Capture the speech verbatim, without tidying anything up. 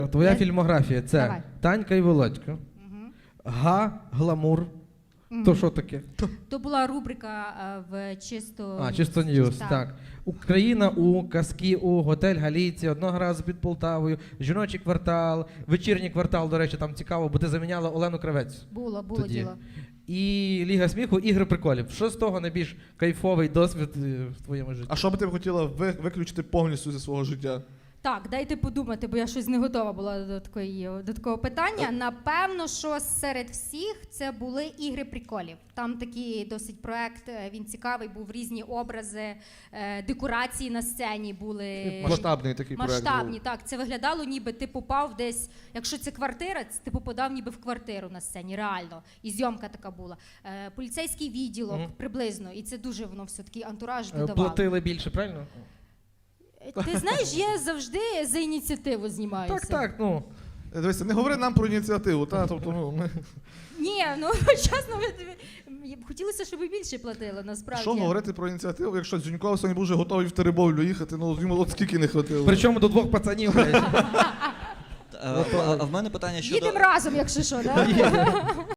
Твоя Я- фільмографія це Давай. Танька і Володько, Мгм. Га, Гламур. Мгм. То що таке? То була рубрика е, в чисто... А, чисто ньюс, Так. так. Україна у, казки у, готель Галійці, одного разу під Полтавою, жіночий квартал, вечірній квартал, до речі, там цікаво, бо ти заміняла Олену Кравець. Було, було Тоді. діло. І Ліга сміху, ігри приколів. Що з того найбільш кайфовий досвід е, в твоєму житті? А що би ти б хотіла ви- виключити повністю зі свого життя? Так, дайте подумати, бо я щось не готова була до, такої, до такого питання. Напевно, що серед всіх це були ігри приколів. Там такий досить проект, е, він цікавий, був різні образи, е, декорації на сцені були Масштабний такий проект. масштабні. був. Так, це виглядало, ніби ти попав десь, якщо це квартира, це ти попадав ніби в квартиру на сцені, реально. І зйомка така була. Е, поліцейський відділок Мгм. приблизно, і це дуже воно все такий антураж Е, додавало. Платили більше, правильно? Ти знаєш, я завжди за ініціативу знімаюся. Так, так, ну. Е, Дивися, не говори нам про ініціативу, та, тобто, ну, ми... Ні, ну чесно, ми- хотілося, щоб і більше платили, насправді. Що говорити про ініціативу, якщо Дзюньков сьогодні був вже готовий в Теребовлю їхати, ну йому от скільки не хватило. Причому до двох пацанів. А, а в мене питання щодо... Їдемо разом, якщо що, так?